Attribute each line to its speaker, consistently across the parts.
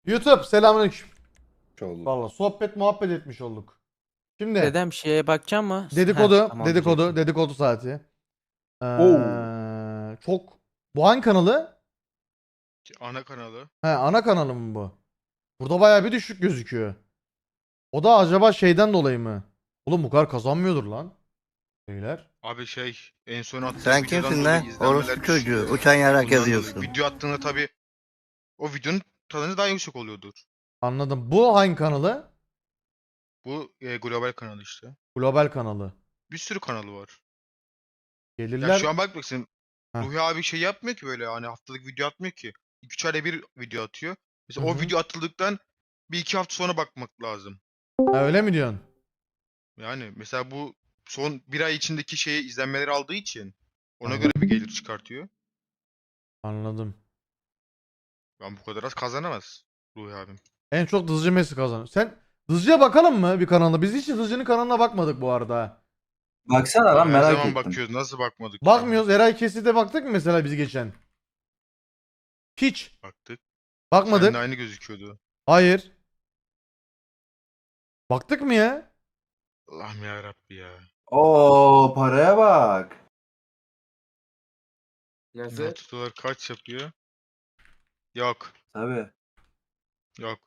Speaker 1: YouTube selamünaleyküm.
Speaker 2: Oldu.
Speaker 1: Vallahi sohbet muhabbet etmiş olduk. Şimdi
Speaker 3: Dedem şeye bakacağım mı?
Speaker 1: dedikodu,
Speaker 3: Tamam
Speaker 1: dedikodu,
Speaker 3: diyeceksin.
Speaker 1: dedikodu saati.
Speaker 2: Oo.
Speaker 1: Çok bu hangi kanalı?
Speaker 4: Ana kanalı.
Speaker 1: He, ana kanalı mı bu? Burada bayağı bir düşük gözüküyor. O da acaba şeyden dolayı mı? Oğlum bu kadar kazanmıyordur lan. Beyler.
Speaker 4: Abi en son attığım
Speaker 5: Sen
Speaker 4: videodan
Speaker 5: kimsin
Speaker 4: dolayı
Speaker 5: lan?
Speaker 4: izlenmeler
Speaker 5: Orospu çocuğu.
Speaker 4: düşüyor.
Speaker 5: Uçan yarak
Speaker 4: Bundan dolayı
Speaker 5: yazıyorsun.
Speaker 4: Video attığında tabi o videonun kazanı daha yüksek oluyordur.
Speaker 1: Anladım. Bu hangi kanalı?
Speaker 4: Bu global kanalı işte.
Speaker 1: Global kanalı.
Speaker 4: Bir sürü kanalı var. Ya
Speaker 1: Gelirler.
Speaker 4: şu an bak bakın
Speaker 1: Heh.
Speaker 4: Ruhi abi şey yapmıyor ki böyle hani haftalık video atmıyor ki. 2-3 ayda bir video atıyor. Mesela
Speaker 1: Hı
Speaker 4: o
Speaker 1: hı.
Speaker 4: video atıldıktan 1-2 hafta sonra bakmak lazım.
Speaker 1: Ha, öyle mi diyorsun?
Speaker 4: Yani mesela bu son bir ay içindeki şeyi izlenmeleri aldığı için ona
Speaker 1: Anladım.
Speaker 4: göre bir gelir çıkartıyor.
Speaker 1: Anladım.
Speaker 4: Ben bu kadar az kazanamaz Ruhi abim.
Speaker 1: En çok Dızcı Messi kazanır. Sen Dızcı'ya bakalım mı bir kanalda? Biz hiç Dızcı'nın kanalına bakmadık bu arada.
Speaker 2: Baksana lan
Speaker 4: Her
Speaker 2: merak
Speaker 4: zaman
Speaker 2: ettim.
Speaker 4: bakıyoruz. Nasıl bakmadık?
Speaker 1: Bakmıyoruz. Eray Kesit'e baktık mı mesela biz geçen? Hiç.
Speaker 4: Baktık.
Speaker 1: Bakmadık.
Speaker 4: Seninle aynı gözüküyordu.
Speaker 1: Hayır. Baktık mı ya?
Speaker 4: Allah'ım ya Rabbi ya.
Speaker 2: Oo paraya bak.
Speaker 6: Nasıl?
Speaker 4: Altı dolar kaç yapıyor? Yok.
Speaker 2: Tabii.
Speaker 4: Yok.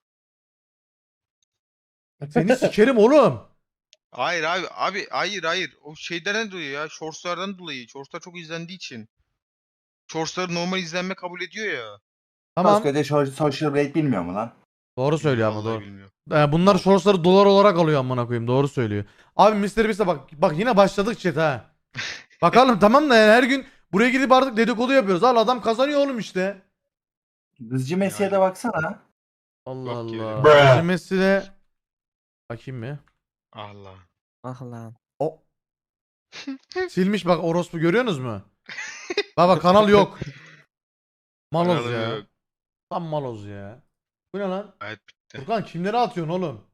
Speaker 1: Seni sikerim oğlum.
Speaker 4: Hayır abi. Abi hayır. O şeyden dolayı ya. Shorts'lardan dolayı. Shorts'lar çok izlendiği için. Shorts'ları normal izlenme kabul ediyor ya.
Speaker 1: Tamam.
Speaker 2: Koskoca social rate bilmiyor mu lan?
Speaker 1: Doğru söylüyor ama
Speaker 4: Vallahi
Speaker 1: doğru.
Speaker 4: bilmiyorum.
Speaker 1: Bunlar shortsları dolar olarak alıyor amına koyayım. Doğru söylüyor. Abi Mr. Beast'e bak yine başladık chat ha. Bakalım tamam da yani her gün buraya gidip artık dedikodu yapıyoruz. Al adam kazanıyor oğlum işte.
Speaker 2: Dızcı Messi'ye de baksana.
Speaker 1: Allah
Speaker 4: Yok ki
Speaker 1: Allah.
Speaker 4: öyle.
Speaker 2: Bruh.
Speaker 1: Bizim Messi'de bakayım mı?
Speaker 4: Allah.
Speaker 3: Ah lan.
Speaker 1: O silmiş bak orospu görüyorsunuz mu? Baba kanal yok. Maloz
Speaker 4: Kanalı
Speaker 1: ya.
Speaker 4: yok.
Speaker 1: Tam maloz ya. Bu ne lan?
Speaker 4: Hayat bitti.
Speaker 1: Furkan kimlere atıyorsun oğlum?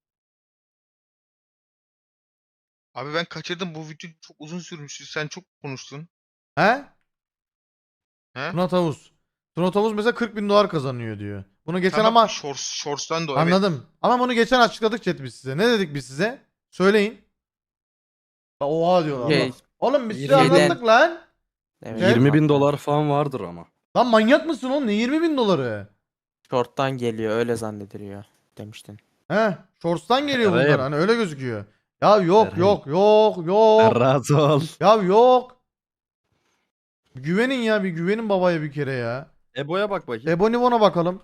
Speaker 4: Abi ben kaçırdım. Bu video çok uzun sürmüştü. Sen çok konuştun.
Speaker 1: He?
Speaker 4: He?
Speaker 1: Tuna Tavus. Tuna Tavus mesela 40 bin dolar kazanıyor diyor. Bunu geçen
Speaker 4: Tamam,
Speaker 1: ama
Speaker 4: Shorts'tan da o, evet.
Speaker 1: anladım. Ama bunu geçen açıkladık chat biz size. Ne dedik biz size? Söyleyin. Oha diyorlar.
Speaker 3: Şey,
Speaker 1: Allah. Oğlum biz size
Speaker 3: şeyden-
Speaker 1: anlattık lan.
Speaker 3: Evet,
Speaker 1: Evet.
Speaker 7: 20 bin dolar falan vardır ama.
Speaker 1: Lan manyak mısın oğlum? Ne 20 bin doları?
Speaker 3: Short'tan geliyor öyle zannediliyor demiştin.
Speaker 1: He, Shorts'tan geliyor bunlar.
Speaker 7: Eray'ım.
Speaker 1: Hani öyle gözüküyor. Ya yok
Speaker 7: Eray'ım.
Speaker 1: yok.
Speaker 7: Razı ol.
Speaker 1: Ya yok. Bir güvenin ya, bir güvenin babaya bir kere ya.
Speaker 7: Ebo'ya bak bakayım.
Speaker 1: Ebonibon'a bakalım.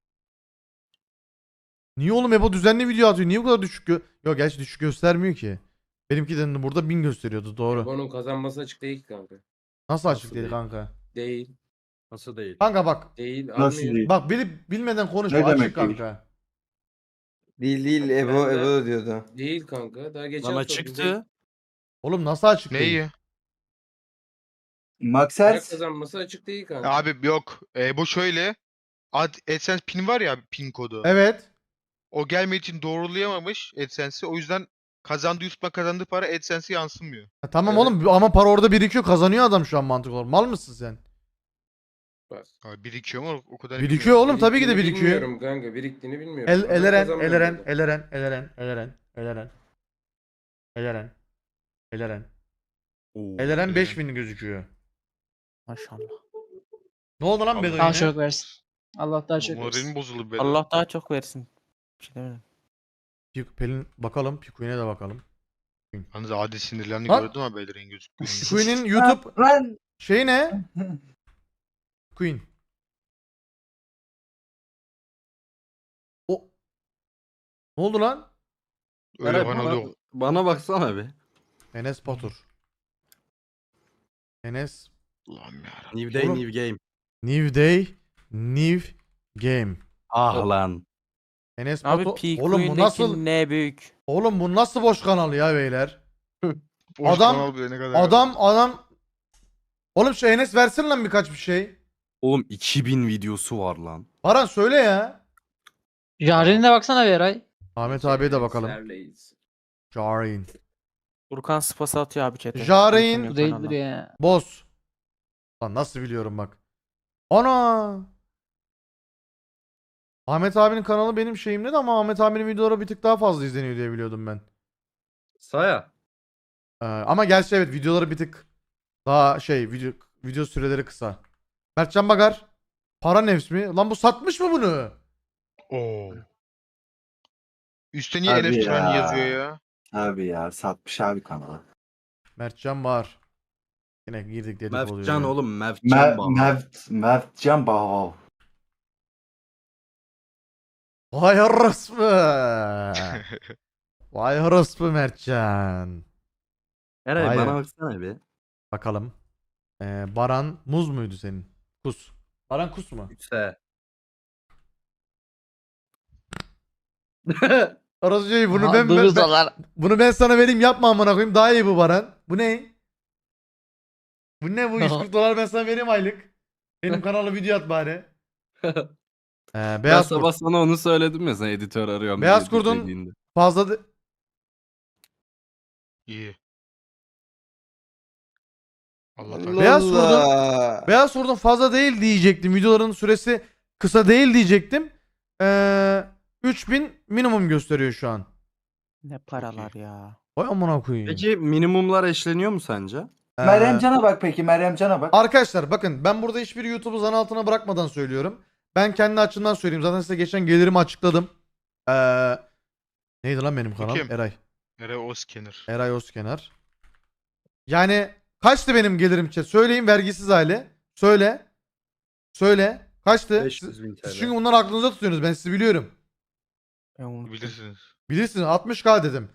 Speaker 1: Niye oğlum Ebo düzenli video atıyor? Niye bu kadar düşük Yok gerçi düşük göstermiyor ki. Benimki de burada 1000 gösteriyordu doğru.
Speaker 6: Onun kazanması açık değil ki kanka.
Speaker 1: Nasıl açık
Speaker 7: Nasıl
Speaker 1: değil
Speaker 7: değil?
Speaker 1: kanka?
Speaker 6: Değil.
Speaker 7: Nasıl değil?
Speaker 1: Kanka bak.
Speaker 6: Değil.
Speaker 2: Nasıl
Speaker 6: almıyor.
Speaker 2: değil?
Speaker 1: Bak bilip bilmeden konuşma
Speaker 2: Ne
Speaker 1: açık
Speaker 2: demek değil?
Speaker 1: kanka.
Speaker 8: Değil
Speaker 6: Ben
Speaker 8: Evo
Speaker 6: de-
Speaker 8: Evo diyordu.
Speaker 6: Değil kanka. Daha geçen
Speaker 7: Bana
Speaker 6: hafta bize
Speaker 7: çıktı.
Speaker 1: Oğlum nasıl açık değil?
Speaker 4: Neyi?
Speaker 6: para
Speaker 2: Maxers.
Speaker 6: kazanması açık değil kanka.
Speaker 4: Abi yok. Bu şöyle. AdSense pin var ya, pin kodu.
Speaker 1: Evet.
Speaker 4: O gelmediği için doğrulayamamış AdSense'i. O yüzden YouTube'dan kazandığı para AdSense'e yansımıyor.
Speaker 1: Tamam
Speaker 6: Evet.
Speaker 1: oğlum ama para orada birikiyor, kazanıyor adam şu an mantık olarak. Mal mısın sen?
Speaker 6: Bak.
Speaker 4: Ha, birikiyor mu? O kadar
Speaker 1: Birikiyor
Speaker 4: bilmiyorum.
Speaker 1: oğlum tabii ki de
Speaker 6: Biriktiğini
Speaker 1: birikiyor.
Speaker 6: Bilmiyorum kanka. Biriktiğini bilmiyorum. Adam
Speaker 1: Eleren,
Speaker 6: kazanmıyor
Speaker 1: Eleren,
Speaker 6: zaten.
Speaker 1: Eleren, Eleren, Eleren, Eleren, Eleren, Eleren.
Speaker 7: Oo,
Speaker 1: Eleren 5000 gözüküyor.
Speaker 3: Maşallah.
Speaker 1: Ne oldu lan
Speaker 4: Allah
Speaker 1: Bedo
Speaker 9: Daha
Speaker 1: yine?
Speaker 9: çok versin. Allah daha çok
Speaker 4: Moralim
Speaker 9: versin.
Speaker 4: bozuldu be.
Speaker 3: Allah daha çok versin. Bir şey demedim.
Speaker 1: Pelin bakalım, Pikuin'e de bakalım.
Speaker 4: Yalnız adi sinirlerini
Speaker 1: Lan!
Speaker 4: gördüm ama Beyler'in gözüktüğünü.
Speaker 1: Pikuin'in YouTube
Speaker 2: Lan.
Speaker 1: şeyi ne? Queen. O Ne oldu lan?
Speaker 4: Öyle
Speaker 7: Eray,
Speaker 4: bana oluyor.
Speaker 7: bana baksana bir.
Speaker 1: Enes Batur. Enes
Speaker 4: Allah'ım ya.
Speaker 7: New day
Speaker 1: Oğlum.
Speaker 7: new game.
Speaker 1: New Day, New Game.
Speaker 7: Ah lan.
Speaker 1: Enes
Speaker 3: Abi
Speaker 1: Batur. Oğlum bu nasıl?
Speaker 3: ne büyük.
Speaker 1: Oğlum bu nasıl boş kanal ya beyler?
Speaker 4: Boş
Speaker 1: Adam-
Speaker 4: kanal bile ne kadar.
Speaker 1: Adam. Oğlum şu Enes versin lan birkaç bir şey.
Speaker 7: Oğlum 2000 videosu var lan.
Speaker 1: Baran söyle ya.
Speaker 9: Jaren'ine baksana bir Eray.
Speaker 1: Ahmet abiye de bakalım.
Speaker 6: Serleyiz.
Speaker 1: Jarin.
Speaker 3: Furkan spası atıyor abi chat'e.
Speaker 1: Jarein-
Speaker 3: Furkan
Speaker 9: Bu
Speaker 3: yok
Speaker 9: değildir
Speaker 3: kanalda.
Speaker 9: ya.
Speaker 1: Boz. Lan nasıl biliyorum bak. Ana. Ahmet abinin kanalı benim şeyimde de ama Ahmet abinin videoları bir tık daha fazla izleniyor diye biliyordum ben.
Speaker 7: Saya.
Speaker 1: Ama gerçi evet videoları bir tık daha şey video süreleri kısa. Mertcan Bagar. Para nefs mi? Lan bu satmış mı bunu?
Speaker 4: Oo. Üstte niye
Speaker 2: Abi
Speaker 4: Elef Turan
Speaker 2: ya.
Speaker 4: yazıyor ya?
Speaker 2: Abi ya satmış abi kanalı.
Speaker 1: Mertcan Bahar. Yine girdik dedik oluyor.
Speaker 7: Mevcan
Speaker 1: ya.
Speaker 7: oğlum Mevcan bana.
Speaker 2: Mertcan Bahav.
Speaker 1: Vay orospu. Vay orospu Mertcan.
Speaker 7: Eray
Speaker 1: Aynen.
Speaker 7: bana baksana bir.
Speaker 1: Bakalım. Baran Muz muydu senin? Kus. Baran Kus mu?
Speaker 7: Se.
Speaker 1: Orası şey bunu
Speaker 9: Aha,
Speaker 1: ben,
Speaker 9: duyduz
Speaker 1: ben-
Speaker 9: onlar.
Speaker 1: bunu ben sana vereyim yapma amına koyayım daha iyi bu Baran. Bu ne? Bu ne bu 140 dolar ben sana vereyim aylık. Benim kanala video at bari.
Speaker 7: Ben
Speaker 1: Beyaz
Speaker 7: sabah
Speaker 1: Kurt.
Speaker 7: sana onu söyledim ya sen editör arıyorum
Speaker 1: Beyaz
Speaker 7: diye
Speaker 1: Kurt'un
Speaker 7: dediğinde.
Speaker 1: fazla
Speaker 4: İyi. Allah
Speaker 8: Allah
Speaker 4: takdir.
Speaker 1: Beyaz
Speaker 8: Allah.
Speaker 1: Beyaz Kurt'un fazla değil diyecektim. Videoların süresi kısa değil diyecektim. 3000 minimum gösteriyor şu an.
Speaker 3: Ne paralar ya.
Speaker 1: Vay amına koyayım.
Speaker 7: Peki minimumlar eşleniyor mu sence?
Speaker 2: Meryem Can'a bak peki Meryem Can'a bak.
Speaker 1: Arkadaşlar bakın ben burada hiçbir YouTube'u zan altına bırakmadan söylüyorum. Ben kendi açımdan söyleyeyim. Zaten size geçen gelirimi açıkladım. Neydi lan benim kanal?
Speaker 4: Kim?
Speaker 1: Eray.
Speaker 4: Ere Oskener.
Speaker 1: Eray Özkenar. Yani kaçtı benim gelirim chat? Söyleyin vergisiz hali. Söyle. Söyle. Kaçtı?
Speaker 7: 500.000
Speaker 1: Siz
Speaker 7: TL.
Speaker 1: çünkü bunları aklınızda tutuyorsunuz. Ben sizi biliyorum.
Speaker 3: Ben unuttum.
Speaker 4: Bilirsiniz.
Speaker 1: Bilirsiniz 60k dedim.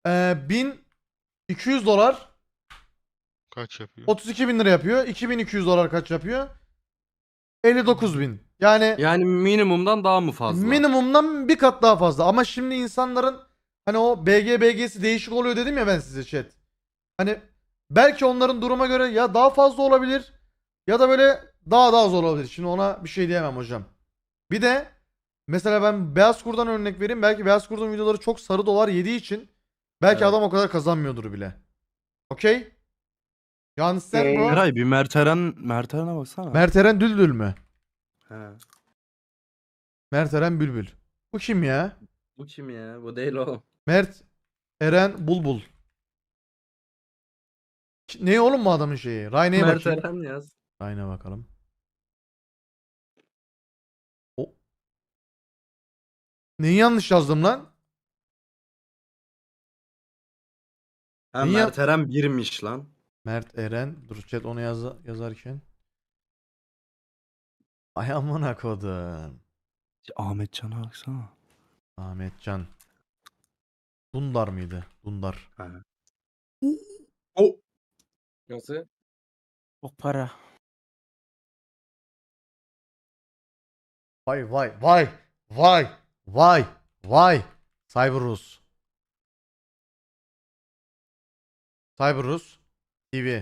Speaker 1: 1200 dolar
Speaker 4: Kaç yapıyor?
Speaker 1: 32 bin lira yapıyor. 2200 dolar kaç yapıyor? 59 bin. Yani
Speaker 7: Yani minimumdan daha mı fazla?
Speaker 1: minimumdan bir kat daha fazla. Ama şimdi insanların hani o BG'si değişik oluyor dedim ya ben size chat. Hani belki onların duruma göre ya daha fazla olabilir ya da böyle daha da az olabilir. Şimdi ona bir şey diyemem hocam. Bir de mesela ben Beyaz Kurt'dan örnek vereyim. Belki Beyaz Kurt'un videoları çok sarı dolar yediği için belki
Speaker 7: Evet.
Speaker 1: adam o kadar kazanmıyordur bile. Okey? Yani sen bu
Speaker 7: Eray bir Merteren'e baksana.
Speaker 1: Mert Eren Düldül mü?
Speaker 7: He.
Speaker 1: Mert Eren Bülbül. Bu kim ya?
Speaker 7: Bu kim ya? Bu değil oğlum.
Speaker 1: Mert Eren Bulbul. Ne oğlum bu adamın şeyi? Rayne'ye bakayım.
Speaker 7: Merteren yaz.
Speaker 1: Rayne'ye bakalım. O. Neyi yanlış yazdım lan?
Speaker 7: Ha
Speaker 1: Niye-
Speaker 7: Merteren 1'miş lan.
Speaker 1: Mert Eren. Dur chat onu yazarken. Ay amına kodum.
Speaker 7: Ahmetcan'a baksana.
Speaker 1: Ahmetcan. Dundar mıydı? Dundar.
Speaker 7: Ha.
Speaker 6: Nasıl?
Speaker 3: O para.
Speaker 1: Vay vay vay. Vay. Vay. Vay. Cyberus. Cyberus TV.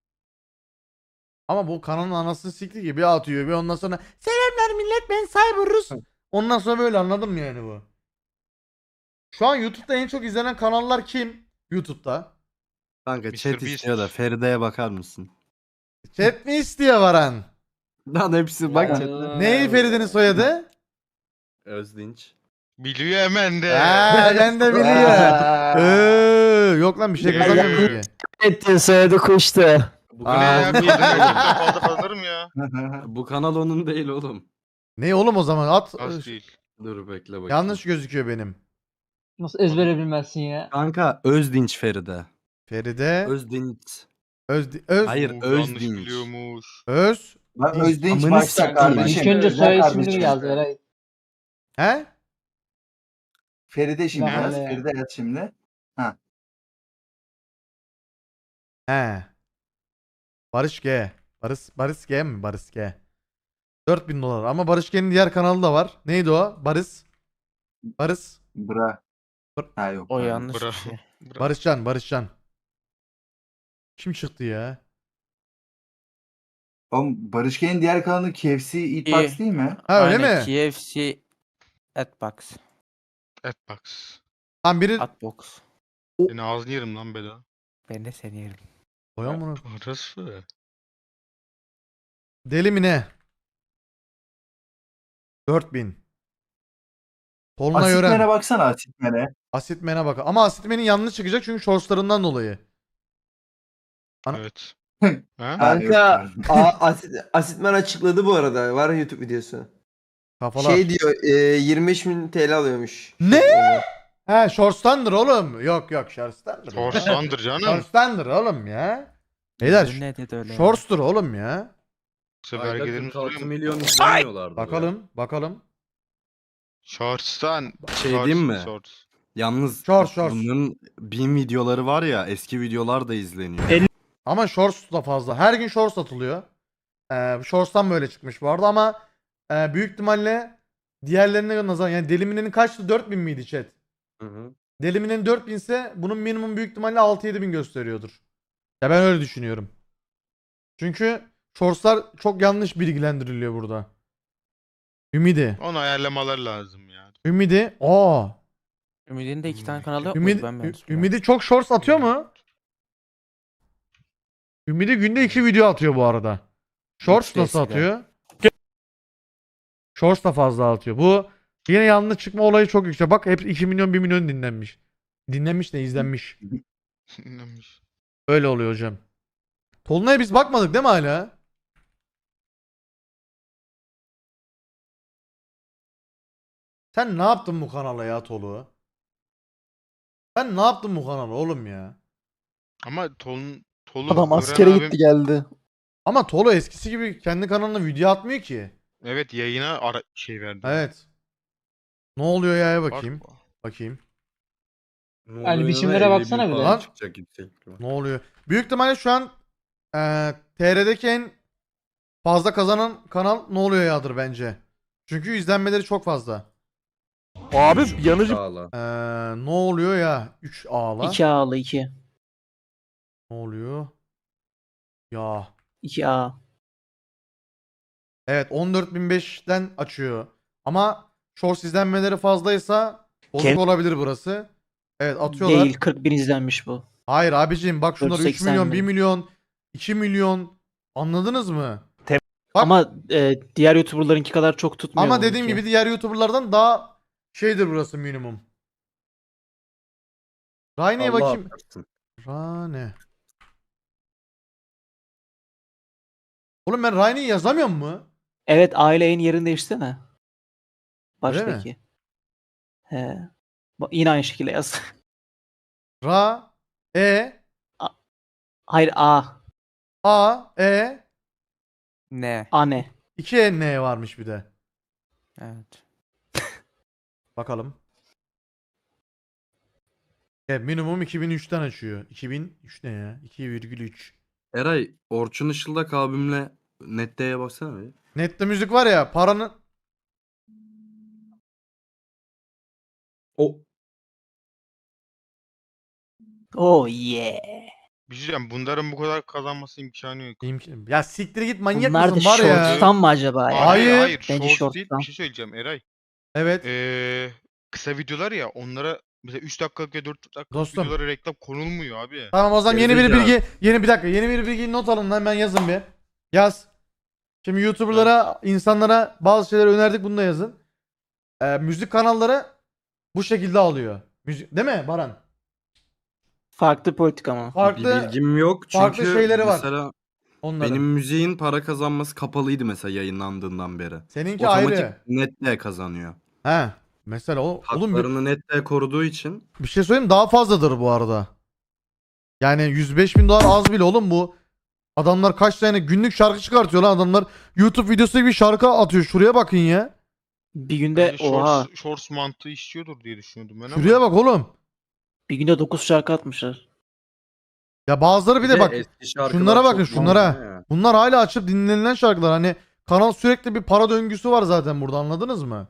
Speaker 1: Ama bu kanalın anasını sikti gibi atıyor. Bir ondan sonra selamlar millet ben Cyberus. Ondan sonra böyle anladım yani bu. Şu an YouTube'da en çok izlenen kanallar kim? YouTube'da.
Speaker 7: Kanka
Speaker 4: Mr.
Speaker 7: chat
Speaker 4: Beast.
Speaker 7: istiyor da Feride'ye bakar mısın?
Speaker 1: Chat mi istiyor Varan?
Speaker 7: Lan hepsi bak
Speaker 6: Ya.
Speaker 7: chat'te.
Speaker 1: Neyi Feride'nin soyadı?
Speaker 7: Özdinç.
Speaker 4: Biliyor hemen de.
Speaker 1: Ben de biliyorum. Yok lan bir şey kazanmıyormuş ki.
Speaker 8: Ettin soyadı kuştu.
Speaker 7: Bu
Speaker 4: Bu ne ya? Bir fazla fazlarım ya.
Speaker 7: Bu kanal onun değil oğlum.
Speaker 1: Ne oğlum o zaman at.
Speaker 4: Az değil.
Speaker 7: Dur bekle bakayım.
Speaker 1: Yanlış gözüküyor benim.
Speaker 9: Nasıl ezbere bilmezsin ya?
Speaker 7: Kanka Özdinç Feride.
Speaker 1: Feride
Speaker 7: Özdinç.
Speaker 1: Öz
Speaker 7: Hayır,
Speaker 4: Yanlış
Speaker 7: Özdinç.
Speaker 4: biliyormuş.
Speaker 1: Öz
Speaker 2: Bak Özdinç
Speaker 7: Amını
Speaker 2: başta
Speaker 7: sikeyim.
Speaker 2: kardeşim.
Speaker 9: İlk önce
Speaker 2: Özel
Speaker 9: soy ismini
Speaker 2: kardeşim.
Speaker 9: mi yazdı Eray?
Speaker 1: he?
Speaker 2: Feride şimdi
Speaker 9: Ne
Speaker 2: yaz.
Speaker 9: hale?
Speaker 2: Feride yaz şimdi.
Speaker 1: He. Barış G. Barış G mi? Barış G. 4000 dolar ama Barış G'nin diğer kanalı da var. Neydi o? Barış.
Speaker 2: Bra. Ha yok.
Speaker 3: O
Speaker 2: pardon.
Speaker 3: yanlış bir
Speaker 4: Bravo.
Speaker 3: şey.
Speaker 4: Bravo.
Speaker 1: Barışcan. Kim çıktı ya?
Speaker 2: Oğlum Barış Gen'in diğer kanalı KFC Eatbox değil mi?
Speaker 1: Ha öyle
Speaker 3: Aynen,
Speaker 1: mi?
Speaker 3: KFC Atbox.
Speaker 4: Atbox.
Speaker 1: Tam biri
Speaker 3: Atbox.
Speaker 4: Seni ağzını yerim lan Beda.
Speaker 3: Ben de seni yerim.
Speaker 1: Koyan bunu.
Speaker 4: Orası.
Speaker 1: Deli mi ne? 4000. Tolunay Ören.
Speaker 2: Asitmen'e baksana Asitmen'e.
Speaker 1: Asitmen'e bak. Ama Asitmen'in yanlış çıkacak çünkü shortslarından dolayı. Ana-
Speaker 4: Evet.
Speaker 2: Ha,
Speaker 8: Kanka
Speaker 2: yok.
Speaker 8: Asitman açıkladı bu arada. Var YouTube videosu.
Speaker 1: Kafalar.
Speaker 8: Şey diyor 25.000 TL alıyormuş.
Speaker 1: Ne?
Speaker 8: Onu.
Speaker 1: He shorts'tandır oğlum. Yok yok shorts'tandır.
Speaker 4: Shorts'tandır canım.
Speaker 1: Shorts'tandır oğlum ya. Beyler
Speaker 3: Ne dedi öyle ya?
Speaker 1: shorts'tur oğlum ya.
Speaker 4: Yoksa
Speaker 7: Ayda
Speaker 4: vergilerimiz
Speaker 7: 46
Speaker 4: duruyor mu?
Speaker 7: milyon izlemiyorlardı.
Speaker 1: Bakalım.
Speaker 4: Shorts'tan.
Speaker 7: Şey diyeyim mi?
Speaker 4: Shorts.
Speaker 7: Yalnız
Speaker 1: Shorts.
Speaker 7: bunların 1000 videoları var ya, eski videolar da izleniyor.
Speaker 1: Ama shorts da fazla. Her gün shorts atılıyor. Shorts'tan böyle çıkmış bu arada ama büyük ihtimalle diğerlerine nazaran yani Delimine'nin kaçtı? 4000 miydi chat?
Speaker 7: Hı hı.
Speaker 1: Delimine'nin 4000 ise bunun minimum büyük ihtimalle 6-7 bin gösteriyordur. Ya ben öyle düşünüyorum. Çünkü shortslar çok yanlış bilgilendiriliyor burada. Ümidi.
Speaker 4: Onu ayarlamalar lazım ya.
Speaker 1: Ümidi.
Speaker 3: Ümit'in de 2 tane kanalı yok
Speaker 1: Ümidi,
Speaker 3: muydu? Ben mi yanlış biliyorum?
Speaker 1: Ümidi çok shorts atıyor mu? Ümidi günde 2 video atıyor bu arada. Shorts
Speaker 3: İkisi de
Speaker 1: nasıl
Speaker 3: eskiden.
Speaker 1: atıyor? Shorts da fazla atıyor. Bu yine yanlış çıkma olayı çok yüksek. Bak hep 2 milyon 1 milyon dinlenmiş. Dinlenmiş de izlenmiş.
Speaker 4: Neymiş?
Speaker 1: Öyle oluyor hocam. Tolunay'a biz bakmadık değil mi hala? Sen ne yaptın bu kanala ya Tolu? Sen ne yaptın bu kanala oğlum ya?
Speaker 4: Ama Tolu
Speaker 8: Adam
Speaker 4: Ören
Speaker 8: askere
Speaker 4: abim-
Speaker 8: gitti geldi.
Speaker 1: Ama Tolu eskisi gibi kendi kanalına video atmıyor ki.
Speaker 4: Evet, yayına şey verdi.
Speaker 1: Evet. Ne oluyor ya
Speaker 4: Bak-
Speaker 1: bakayım. Bakayım.
Speaker 7: Ne
Speaker 9: Yani
Speaker 7: oluyor
Speaker 9: biçimlere
Speaker 7: da 50 bin
Speaker 9: baksana bir de.
Speaker 7: falan
Speaker 1: Lan.
Speaker 7: çıkacak yüksek ihtimal.
Speaker 1: Ne oluyor? Büyük ihtimalle şu an TR'deki en fazla kazanan kanal Ne Oluyor Ya'dır bence. Çünkü izlenmeleri çok fazla.
Speaker 8: Abi yanıcı.
Speaker 7: Sağla.
Speaker 1: Ne Oluyor Ya 3 ağla.
Speaker 9: 2 A'lı 2.
Speaker 1: Ne oluyor? Ya.
Speaker 9: 2 A.
Speaker 1: Evet 14.005'ten açıyor. Ama shorts izlenmeleri fazlaysa bozuk
Speaker 9: Ken-
Speaker 1: olabilir burası. Evet atıyorlar.
Speaker 9: Değil 40.000 izlenmiş bu.
Speaker 1: Hayır abicim bak şunlar 3
Speaker 9: 480
Speaker 1: milyon,
Speaker 9: bin.
Speaker 1: 1 milyon, 2 milyon. Anladınız mı? Bak-
Speaker 9: Ama diğer YouTuber'larınki kadar çok tutmuyor.
Speaker 1: Ama dediğim
Speaker 9: bununki.
Speaker 1: gibi diğer YouTuber'lardan daha şeydir burası minimum. Rayne'ye
Speaker 7: Allah
Speaker 1: bakayım.
Speaker 7: affetsin.
Speaker 1: Rane. Oğlum ben Rayne'yi yazamıyor mu?
Speaker 9: Evet aile yayın yerini değiştirsene.
Speaker 1: Öyle mi?
Speaker 9: Baştaki. He. Yine aynı şekilde yaz.
Speaker 1: Ra, E,
Speaker 9: Hayır A.
Speaker 1: A, E,
Speaker 3: Ne?
Speaker 9: Ane.
Speaker 1: 2 E, N varmış bir de.
Speaker 3: Evet.
Speaker 1: Bakalım. Evet minimum 2003'ten açıyor. 2003 ne ya? 2,3.
Speaker 7: Eray, Orçun Işıldak abimle Nette'ye baksana bir.
Speaker 1: Nette müzik var ya paranın
Speaker 7: O
Speaker 9: Oh yeah.
Speaker 4: Bir şey diyeceğim, bunların bu kadar kazanması imkanı yok.
Speaker 1: Ya siktir git manyak
Speaker 9: Bunlar da
Speaker 1: mısın var ya.
Speaker 9: shorts'tan mı acaba ya?
Speaker 1: Hayır.
Speaker 4: Hayır,
Speaker 9: Bence
Speaker 4: shorts değil.
Speaker 9: shorts'tan.
Speaker 4: Bir şey söyleyeceğim Eray.
Speaker 1: Evet.
Speaker 4: Kısa videolar ya, onlara mesela 3 dakikalık ya 4 dakikalık
Speaker 1: Dostum.
Speaker 4: videolara reklam konulmuyor abi.
Speaker 1: Tamam o zaman yeni bir
Speaker 7: Gerizekalı.
Speaker 1: bilgi, yeni bir bilgi not alın lan ben yazın bir. Yaz. Şimdi YouTuber'lara, insanlara bazı şeyler önerdik bunu da yazın. Müzik kanalları bu şekilde alıyor. Müzik değil mi Baran?
Speaker 9: Farklı politik ama.
Speaker 7: bir
Speaker 1: Farklı
Speaker 7: bilgim yok çünkü
Speaker 1: farklı şeyleri var
Speaker 7: mesela
Speaker 1: onların.
Speaker 7: benim müziğin para kazanması kapalıydı mesela yayınlandığından beri.
Speaker 1: Seninki
Speaker 7: Otomatik
Speaker 1: ayrı.
Speaker 7: Net'te kazanıyor.
Speaker 1: He. Mesela oğlum
Speaker 7: Haklarını Net'te koruduğu için
Speaker 1: bir şey söyleyeyim daha fazladır bu arada. Yani 105 bin dolar az bile oğlum bu. Adamlar kaç tane günlük şarkı çıkartıyor lan adamlar. YouTube videosu gibi şarkı atıyor. Şuraya bakın ya.
Speaker 9: Bir günde
Speaker 4: Bence
Speaker 9: oha.
Speaker 4: shorts mantığı işliyordur diye düşünüyordum ben
Speaker 1: Şuraya bak oğlum.
Speaker 9: Bir günde 9 şarkı atmışlar.
Speaker 1: Ya bazıları bir de bak.
Speaker 7: eski şarkılar
Speaker 1: Şunlara bakın
Speaker 7: çok
Speaker 1: şunlara.
Speaker 7: dinleniyor ya.
Speaker 1: Bunlar hala açıp dinlenilen şarkılar. Hani kanal sürekli bir para döngüsü var zaten burada anladınız mı?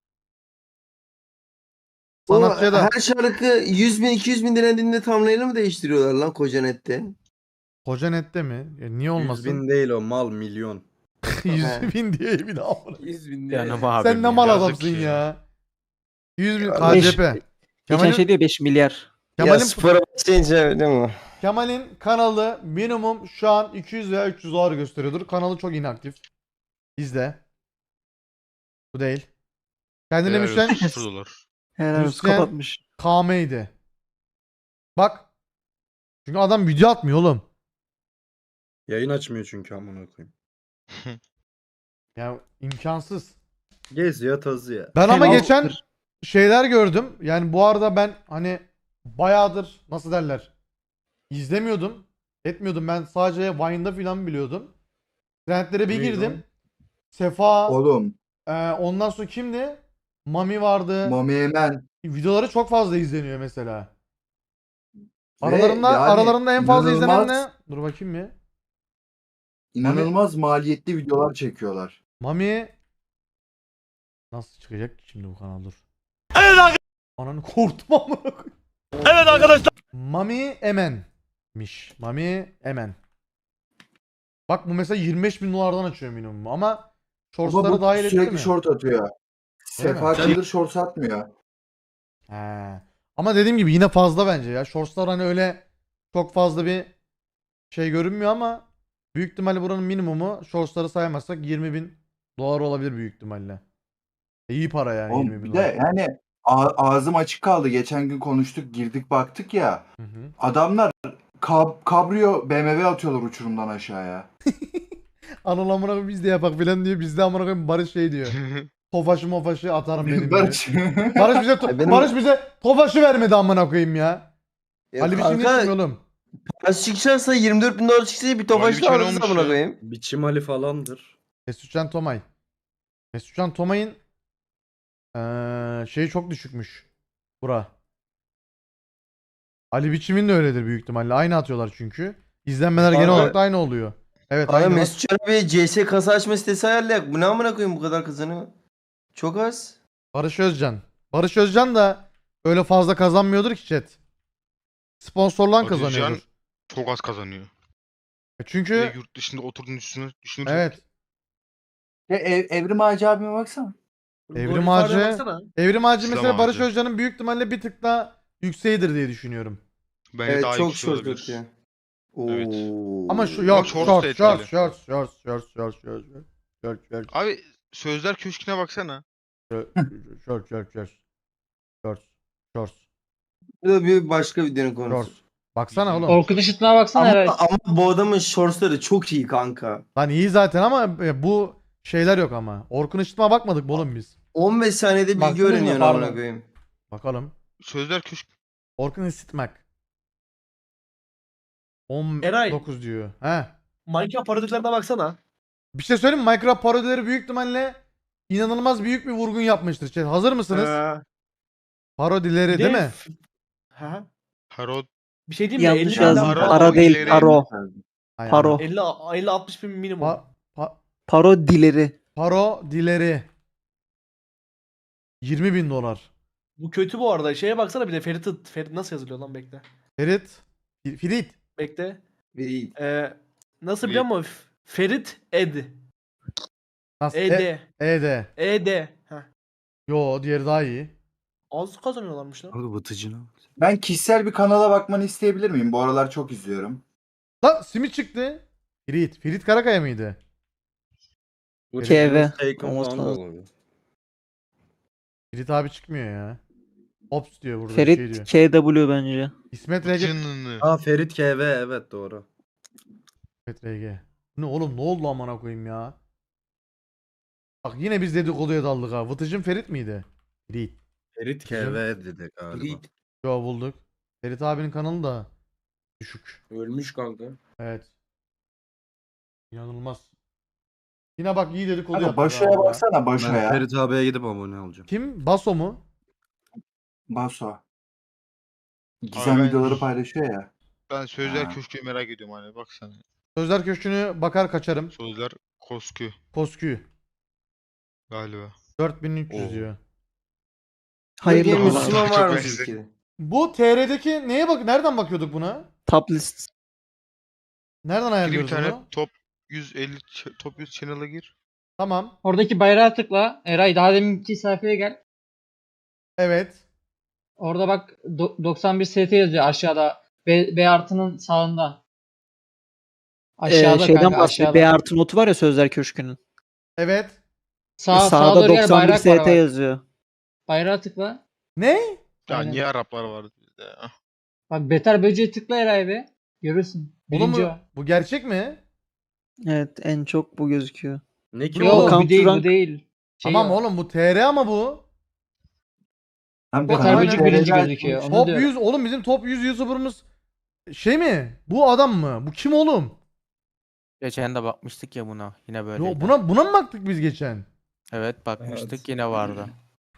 Speaker 1: Sanatçıya da
Speaker 8: Her şarkı 100 bin 200 bin dinlediğinde thumbnail'ı mı değiştiriyorlar lan koca nette?
Speaker 1: Koca nette mi?
Speaker 7: 100
Speaker 1: Niye olmasın?
Speaker 7: bin değil o mal milyon.
Speaker 1: 100 bin diye bir daha.
Speaker 6: 100 bin
Speaker 3: Canım
Speaker 6: lira.
Speaker 3: abim
Speaker 1: Sen ne
Speaker 3: ya.
Speaker 1: mal
Speaker 4: yazık
Speaker 1: adamsın
Speaker 4: ya.
Speaker 1: ya. 100 bin
Speaker 8: Kardeş,
Speaker 1: KCP.
Speaker 9: Geçen
Speaker 1: Kemal'in,
Speaker 9: şey diyor 5 milyar.
Speaker 8: Ya
Speaker 1: Kemal'in,
Speaker 8: spora başlayınca değil mi?
Speaker 1: Kemal'in kanalı minimum şu an 200 veya 300 dolar gösteriyordur. Kanalı çok inaktif. İzle. Bu değil. Kendine
Speaker 4: Helal
Speaker 1: müşen
Speaker 4: olsun, $0.
Speaker 9: Helal olsun,
Speaker 1: Hüseyin-
Speaker 9: kapatmış.
Speaker 1: KM'ydi. Bak. Çünkü adam video atmıyor oğlum.
Speaker 7: Yayın açmıyor çünkü amına koyayım.
Speaker 1: Ya imkansız.
Speaker 7: Geziyor tazıyor.
Speaker 1: Ben ama
Speaker 9: Penaltıdır.
Speaker 1: geçen şeyler gördüm. Yani bu arada ben hani bayağıdır nasıl derler izlemiyordum. Etmiyordum. Ben sadece Vine'da falan biliyordum. Trendlere bir
Speaker 7: Neydi
Speaker 1: girdim. Sefa,
Speaker 2: Oğlum.
Speaker 1: ondan sonra kimdi? Mami vardı.
Speaker 2: Mami Emen.
Speaker 1: Videoları çok fazla izleniyor mesela.
Speaker 2: Ve
Speaker 1: Aralarında
Speaker 2: yani
Speaker 1: aralarında en fazla izlenen
Speaker 2: inanılmaz-
Speaker 1: ne? Dur bakayım bir.
Speaker 2: İnanılmaz maliyetli videolar çekiyorlar.
Speaker 1: Mami nasıl çıkacak ki şimdi bu kanal dur. Evet Ananı korktum amına koyayım. Evet arkadaşlar. Mami Emen'miş. Mami Emen. Bak bu mesela 25 bin dolardan açıyor minimum ama
Speaker 2: Ama
Speaker 1: shortsları
Speaker 2: bu
Speaker 1: dahil etti mi?
Speaker 2: sürekli short atıyor. Sefa
Speaker 1: mi?
Speaker 2: Kıldır short atmıyor.
Speaker 1: He. Ama dediğim gibi yine fazla bence ya. Shortslar hani öyle çok fazla bir şey görünmüyor ama büyük ihtimalle buranın minimumu shortsları saymazsak 20 bin dolar olabilir büyük ihtimalle. İyi para yani
Speaker 2: Oğlum
Speaker 1: 20 bin
Speaker 2: bir
Speaker 1: dolar.
Speaker 2: de yani ağzım açık kaldı. Geçen gün konuştuk, girdik baktık ya.
Speaker 1: Hı hı.
Speaker 2: Adamlar kabrio BMW atıyorlar uçurumdan aşağıya.
Speaker 1: Anıl amına koyayım biz de yapak filan diyor. Bizde amına koyayım Barış şey diyor. Tofaşı mofaşı atarım benim diyor.
Speaker 2: Barış.
Speaker 1: Barış bize
Speaker 8: benim-
Speaker 1: Barış bize tofaşı vermedi amına koyayım ya.
Speaker 8: Ya
Speaker 1: Ali biçim ne
Speaker 8: kanka,
Speaker 1: istiyor oğlum?
Speaker 8: parası çıkacaksa 24 bin dolar çıksa bir tofaş
Speaker 4: biçim
Speaker 8: da
Speaker 4: ne
Speaker 8: alırsın
Speaker 4: olmuş
Speaker 8: amına
Speaker 4: ya?
Speaker 8: koyayım.
Speaker 7: Biçim Ali falandır.
Speaker 1: Mesutcan Tomay. Mesutcan Tomay'ın şeyi çok düşükmüş. Bura. Ali biçimin de öyledir büyük ihtimalle. Aynı atıyorlar çünkü. İzlenmeler genel
Speaker 8: Abi-
Speaker 1: olarak da aynı oluyor. Evet
Speaker 8: Abi
Speaker 1: aynı. bak.
Speaker 8: Mesut Can abi CS kasa açma sitesi ayarlayak. Bu ne amına koyayım bu kadar kazanıyor? Çok az.
Speaker 1: Barış Özcan. Barış Özcan da öyle fazla kazanmıyordur ki chat. Sponsorlan
Speaker 4: Barış Özcan-
Speaker 1: kazanıyordur.
Speaker 4: Çok az kazanıyor. Ve
Speaker 1: Çünkü
Speaker 4: yurt dışında oturduğunu düşünürsek.
Speaker 1: evet.
Speaker 2: Ya Evrim Ağacı abime baksana.
Speaker 1: Evrim Ağacı. Evrim Ağacı
Speaker 4: İslam
Speaker 1: mesela Barış
Speaker 4: Ağacı.
Speaker 1: Özcan'ın büyük ihtimalle bir tık daha yükseğidir diye düşünüyorum.
Speaker 4: Bence
Speaker 8: Evet
Speaker 4: daha
Speaker 8: çok
Speaker 4: yüksek
Speaker 8: short
Speaker 4: olabilir.
Speaker 8: atıyor.
Speaker 4: Evet.
Speaker 8: Oo.
Speaker 1: Ama şu yok
Speaker 4: shorts
Speaker 1: short
Speaker 4: da
Speaker 1: short
Speaker 4: etkili.
Speaker 1: short short short
Speaker 4: Abi Sözler Köşkü'ne baksana.
Speaker 1: short
Speaker 8: Bu da bir başka videonun konusu.
Speaker 1: Baksana oğlum.
Speaker 5: Orkut Işıtma'a baksana
Speaker 8: Ama,
Speaker 5: Eray.
Speaker 8: ama bu adamın shortsları çok iyi kanka.
Speaker 1: Lan iyi zaten ama bu şeyler yok ama. Orkun Işıtma'a bakmadık mı oğlum biz?
Speaker 8: 15 saniyede bilgi
Speaker 5: Baktınız mı?
Speaker 8: öğreniyorsun
Speaker 5: Pardon.
Speaker 8: amına koyayım.
Speaker 1: Bakalım.
Speaker 4: Sözler Köşkü.
Speaker 1: Orkun Işıtmak.
Speaker 5: Eray.
Speaker 1: 19 diyor. He.
Speaker 5: Minecraft parodilerine baksana.
Speaker 1: Bir şey söyleyeyim mi? Minecraft parodileri büyük ihtimalle inanılmaz büyük bir vurgun yapmıştır. Chat. Hazır mısınız? Parodileri değil mi?
Speaker 5: Ha.
Speaker 4: Parod.
Speaker 5: Bir şey diyeyim mi?
Speaker 9: Yanlış
Speaker 5: 50 bin
Speaker 9: yazdım.
Speaker 4: Paro-
Speaker 9: Para değil,
Speaker 4: ileri-
Speaker 9: paro.
Speaker 1: Hay
Speaker 9: Paro.
Speaker 1: Allah.
Speaker 5: 50-60 bin minimum.
Speaker 9: Parodileri.
Speaker 1: Parodileri. 20 bin dolar.
Speaker 5: Bu kötü bu arada. Şeye baksana bir de Ferit nasıl yazılıyor lan bekle.
Speaker 1: Ferit. Ferit.
Speaker 5: Bekle.
Speaker 8: İyi.
Speaker 5: Nasıl biliyor musun? Ferit Ed.
Speaker 1: Nasıl?
Speaker 5: Ed.
Speaker 1: Ede.
Speaker 5: Ed. Heh.
Speaker 1: Yo diğeri daha iyi.
Speaker 5: Az kazanıyorlarmış lan.
Speaker 7: Abi batıcına.
Speaker 2: Ben kişisel bir kanala bakmanı isteyebilir miyim? Bu aralar çok izliyorum.
Speaker 1: Lan simit çıktı. Ferit. Ferit Karakaya mıydı?
Speaker 9: KV.
Speaker 7: Taken
Speaker 9: Olmaz
Speaker 7: falan da
Speaker 9: lazım.
Speaker 7: olabilir.
Speaker 1: Ferit abi çıkmıyor ya. Ops diyor burada
Speaker 9: Ferit
Speaker 1: şey diyor.
Speaker 9: KW bence.
Speaker 1: İsmet RG.
Speaker 4: Cınını.
Speaker 7: Aa Ferit KV evet doğru.
Speaker 1: İsmet RG. Ne oğlum ne oldu amına koyayım ya? Bak yine biz dedikoduya daldık ha. Vıtıcın Ferit miydi? Ferit.
Speaker 7: Ferit KV dedi galiba.
Speaker 1: Yo bulduk. Ferit abinin kanalı da düşük.
Speaker 6: Ölmüş kanka.
Speaker 1: Evet. İnanılmaz. Yine bak iyi dedikodu
Speaker 2: Kanka
Speaker 1: yaptık
Speaker 2: Başo'ya
Speaker 1: ha.
Speaker 2: baksana
Speaker 7: Ben
Speaker 2: Başo'ya.
Speaker 7: Ferit abiye gidip abone olacağım.
Speaker 1: Kim? Baso mu?
Speaker 2: Baso. Gizem
Speaker 4: ben-
Speaker 2: videoları paylaşıyor ya.
Speaker 4: Ben Sözler
Speaker 2: Ha.
Speaker 4: Köşkü'yü merak ediyorum hani baksana.
Speaker 1: Sözler Köşkü'nü bakar kaçarım.
Speaker 4: Sözler Koskü
Speaker 1: Koskü.
Speaker 4: galiba.
Speaker 1: 4300
Speaker 4: Oo.
Speaker 1: diyor.
Speaker 9: Hayırlı
Speaker 8: Türkiye
Speaker 9: olsun.
Speaker 8: Müslüman
Speaker 4: Çok
Speaker 8: var mı
Speaker 4: benziyor.
Speaker 8: Türkiye'de?
Speaker 1: Bu TR'deki neye bak? Nereden bakıyorduk buna?
Speaker 9: Top list.
Speaker 1: Nereden
Speaker 4: Gir bir
Speaker 1: ayarlıyoruz
Speaker 4: tane
Speaker 1: bunu?
Speaker 4: top 150 top 100 channel'a gir.
Speaker 1: Tamam.
Speaker 5: Oradaki bayrağa tıkla. Eray daha deminki sayfaya gel.
Speaker 1: Evet.
Speaker 5: Orada bak 91 ST yazıyor aşağıda. B artının sağında. Aşağıda
Speaker 9: Şeyden
Speaker 5: kanka
Speaker 9: bahsediyor.
Speaker 5: aşağıda.
Speaker 9: B artı notu var ya Sözler Köşkü'nün.
Speaker 1: Evet.
Speaker 5: Sağa
Speaker 9: Sağda
Speaker 5: doğru gel
Speaker 9: 91
Speaker 5: bayrak var
Speaker 9: ST
Speaker 5: bak.
Speaker 9: yazıyor.
Speaker 10: Bayrağa tıkla.
Speaker 1: Ne?
Speaker 4: Ya
Speaker 10: Aynen.
Speaker 4: niye Araplar vardı bizde ya?
Speaker 10: Bak beter böceği tıkla Eray be. Görürsün.
Speaker 1: Oğlum
Speaker 10: Birinci
Speaker 1: bu,
Speaker 10: o.
Speaker 1: bu gerçek mi?
Speaker 9: Evet en çok bu gözüküyor.
Speaker 5: Ne ki
Speaker 1: Yo,
Speaker 10: Yok
Speaker 9: Counter
Speaker 10: bu değil bu
Speaker 9: Rank-
Speaker 10: değil. Şey
Speaker 1: Tamam
Speaker 10: o.
Speaker 1: oğlum bu TR ama bu.
Speaker 2: Hem
Speaker 1: Beter
Speaker 2: kanalı
Speaker 1: böcek
Speaker 10: birinci
Speaker 2: TR'den
Speaker 10: gözüküyor. Onu
Speaker 1: Top
Speaker 10: diyorum.
Speaker 1: 100 oğlum bizim top 100 YouTuber'ımız şey mi? Bu adam mı? Bu kim oğlum?
Speaker 3: Geçen de bakmıştık ya buna. Yine böyleydi.
Speaker 1: Yo, buna mı baktık biz geçen?
Speaker 3: Evet bakmıştık
Speaker 8: Evet.
Speaker 3: yine vardı.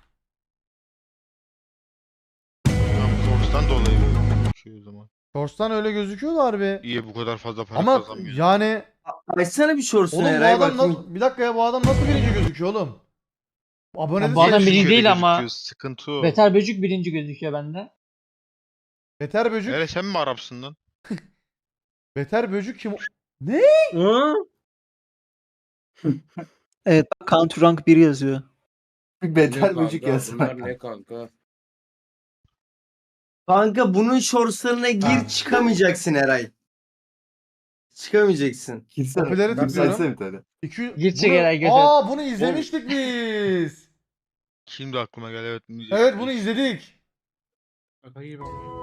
Speaker 4: Tam Source'dan dolayı şey o zaman.
Speaker 1: Shorts'tan öyle gözüküyordu harbi.
Speaker 4: İyi bu kadar fazla para
Speaker 1: Ama
Speaker 4: kazanmıyor.
Speaker 1: yani
Speaker 8: Açsana bir shorts'unu
Speaker 1: oğlum bu
Speaker 8: Eray
Speaker 1: adam
Speaker 8: bakayım.
Speaker 1: nasıl bir dakika ya bu adam nasıl birinci gözüküyor oğlum? Abone
Speaker 10: Ya
Speaker 1: de
Speaker 10: bu adam
Speaker 1: sayısı-
Speaker 10: birinci
Speaker 4: Şöyle
Speaker 10: değil ama
Speaker 4: gözüküyor, sıkıntı o.
Speaker 10: beter böcek birinci gözüküyor bende.
Speaker 1: Beter böcük.
Speaker 4: Hele sen mi Arapsın lan?
Speaker 1: Beter böcük kim? Ne?
Speaker 9: Evet Counter Rank 1 yazıyor.
Speaker 2: bir
Speaker 6: Ne
Speaker 2: beter
Speaker 6: kanka,
Speaker 2: böcek yazsana.
Speaker 6: Bunlar ne kanka?
Speaker 8: Kanka bunun shortslarına gir
Speaker 2: Ha.
Speaker 8: çıkamayacaksın Eray. Çıkamayacaksın.
Speaker 2: Girsene.
Speaker 1: Popüleri tıklıyorum.
Speaker 2: Yükseltsene bir tane.
Speaker 1: 200
Speaker 10: Gidecek herhalde, götür.
Speaker 1: Aa bunu izlemiştik biz.
Speaker 4: Şimdi aklıma geldi evet.
Speaker 1: Evet bunu izledik.
Speaker 5: Şaka gibi.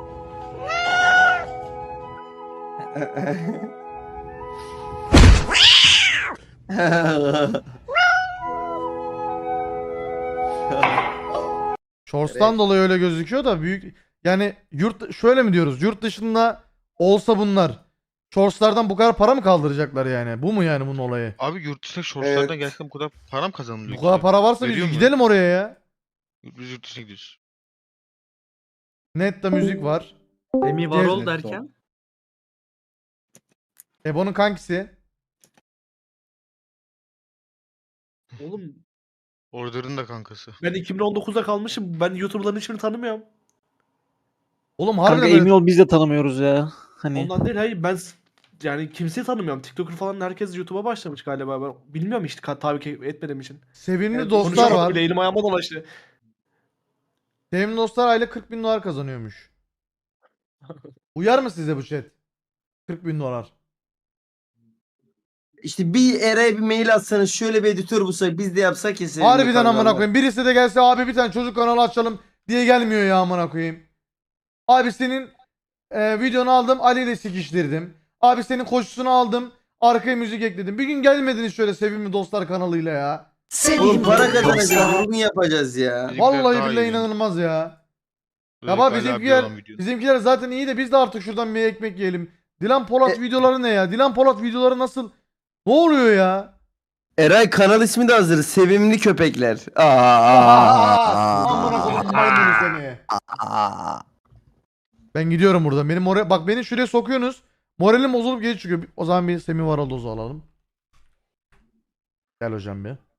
Speaker 1: Shorts'tan dolayı öyle gözüküyor da büyük yani şöyle mi diyoruz? Yurt dışında olsa bunlar Shorts'lardan bu kadar para mı kaldıracaklar yani? Bu mu yani bunun olayı?
Speaker 4: Abi yurt dışında shortslardan
Speaker 2: Evet.
Speaker 4: gerçekten bu kadar para mı kazanılıyor
Speaker 1: Bu kadar
Speaker 4: ki?
Speaker 1: para varsa biz
Speaker 4: Veriyor mu?
Speaker 1: gidelim oraya ya.
Speaker 4: Biz yurt dışına gidiyoruz.
Speaker 1: Netta müzik var.
Speaker 5: Demi Varol
Speaker 1: Gezdi.
Speaker 5: derken.
Speaker 1: Ebo'nun kankisi.
Speaker 5: Oğlum
Speaker 4: Order'ın da kankası.
Speaker 5: ben 2019'da kalmışım. Ben YouTuber'ların hiçbirini tanımıyorum.
Speaker 1: Oğlum
Speaker 9: Kanka
Speaker 1: harbiden
Speaker 9: emin
Speaker 1: böyle
Speaker 9: ol biz de tanımıyoruz ya. Hani
Speaker 5: Ondan değil hayır yani kimseyi tanımıyorum. TikToker falan herkes YouTube'a başlamış galiba. Ben bilmiyorum işte tabii etmediğim için.
Speaker 1: sevimli
Speaker 2: Evet,
Speaker 1: dostlar
Speaker 5: Konuşamadım
Speaker 1: var.
Speaker 5: bile, elim ayağıma dolaştı.
Speaker 1: Sevimli dostlar aylık 40 bin dolar kazanıyormuş. Uyar mı size bu chat? 40 bin dolar.
Speaker 8: İşte bir Eray'a bir mail atsanız şöyle bir editör bulsak biz de yapsak ya senin
Speaker 1: Harbiden
Speaker 8: kanalda.
Speaker 1: amına koyayım. Birisi de gelse abi bir tane çocuk kanalı açalım diye gelmiyor ya amına koyayım. Abi senin videonu aldım Ali ile sikiştirdim. Abi senin koşusunu aldım arkaya müzik ekledim. Bir gün gelmediniz şöyle sevimli dostlar kanalıyla ya.
Speaker 8: Oğlum para kazanacağız. Bugün yapacağız ya.
Speaker 4: Bizimkiler
Speaker 1: Vallahi
Speaker 4: daha
Speaker 1: billahi
Speaker 4: iyi.
Speaker 1: inanılmaz ya. Ya
Speaker 4: Özellikle
Speaker 1: bak
Speaker 4: Ali
Speaker 1: bizimkiler,
Speaker 4: abi olan video.
Speaker 1: bizimkiler zaten iyi de biz de artık şuradan bir ekmek yiyelim. Dilan Polat videoları ne ya? Dilan Polat videoları nasıl? Ne oluyor ya?
Speaker 8: Eray kanal ismi de hazır. Sevimli köpekler.
Speaker 1: Amına koyayım maymunu seni. Ben gidiyorum buradan. Benim oraya bak beni şuraya sokuyorsunuz. Moralim bozulup geri çıkıyor. O zaman bir Semih Varol dozu alalım. Gel hocam bir.